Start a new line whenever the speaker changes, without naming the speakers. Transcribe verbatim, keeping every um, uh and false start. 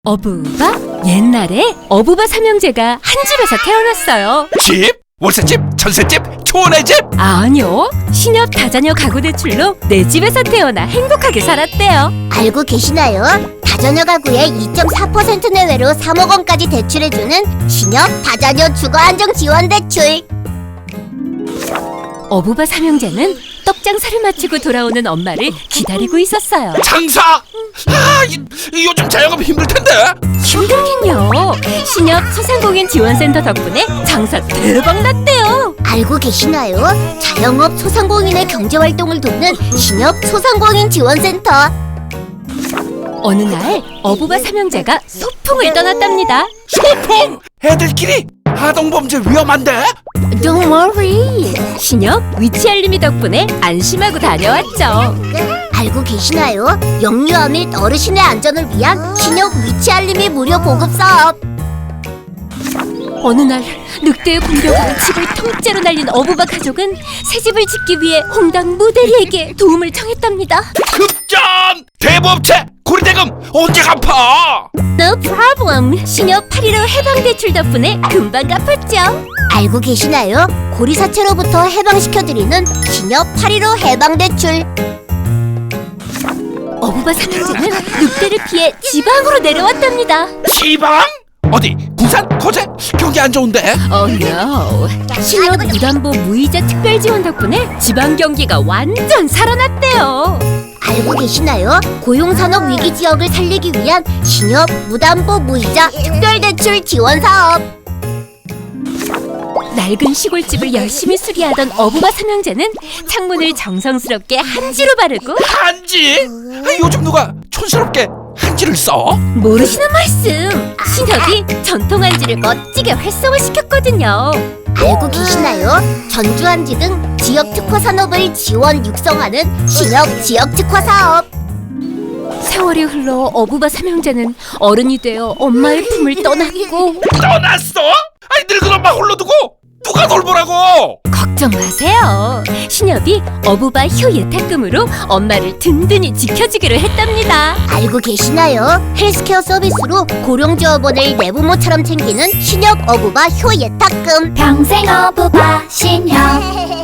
어부바? 옛날에 어부바 삼형제가 한 집에서 태어났어요.
집? 월세집? 전세집? 초원의 집?
아니요, 신협 다자녀 가구 대출로 내 집에서 태어나 행복하게 살았대요.
알고 계시나요? 다자녀 가구의 이 점 사 퍼센트 내외로 삼억 원까지 대출해주는 신협 다자녀 주거안정 지원 대출.
어부바 삼형제는 떡장사를 마치고 돌아오는 엄마를 기다리고 있었어요.
장사? 아, 이, 이 요즘 자영업 힘들 텐데.
힘들긴요. 신협 소상공인 지원센터 덕분에 장사 대박 났대요.
알고 계시나요? 자영업 소상공인의 경제활동을 돕는 신협 소상공인 지원센터.
어느 날 어부바 삼형제가 소풍을 떠났답니다.
소풍? 애들끼리? 아동범죄 위험한데?
Don't worry.
신협 위치 알림이 덕분에 안심하고 다녀왔죠.
알고 계시나요? 영유아 및 어르신의 안전을 위한 신협 위치 알림이 무료 보급 사업.
어느 날 늑대의 공격으로 집을 통째로 날린 어부바 가족은 새 집을 짓기 위해 홍당 무대리에게 도움을 청했답니다.
급전! 대부업체! 고리대금 언제 갚아?
No problem. 신협 팔일오 해방대출 덕분에 금방 갚았죠.
알고 계시나요? 고리사체로부터 해방시켜드리는 신협 팔일오 해방대출.
어부바 삼형제는 늑대를 피해 지방으로 내려왔답니다.
지방? 어디? 부산? 거제? 경기 안 좋은데?
Oh no. 신협 무담보 무이자 특별지원 덕분에 지방 경기가 완전 살아났대요.
알고 계시나요? 고용산업 위기 지역을 살리기 위한 신협 무담보 무이자 특별대출 지원 사업.
낡은 시골집을 열심히 수리하던 어부바 삼형제는 창문을 정성스럽게 한지로 바르고
한지? 아, 요즘 누가 촌스럽게 한지를 써?
모르시는 말씀. 신협이 전통 한지를 멋지게 활성화시켰거든요.
알고 계시나요? 전주 한지 등 지역 특화 산업을 지원 육성하는 신협 지역 특화 사업.
세월이 흘러 어부바 삼형제는 어른이 되어 엄마의 품을 떠났고
떠났어? 아니 늙은 엄마 홀로 두고 누가 돌보라고?
걱정 마세요. 신협이 어부바 효 예탁금으로 엄마를 든든히 지켜주기로 했답니다.
알고 계시나요? 헬스케어 서비스로 고령지원을 내부모처럼 챙기는 신협 어부바 효 예탁금.
평생 어부바 신협.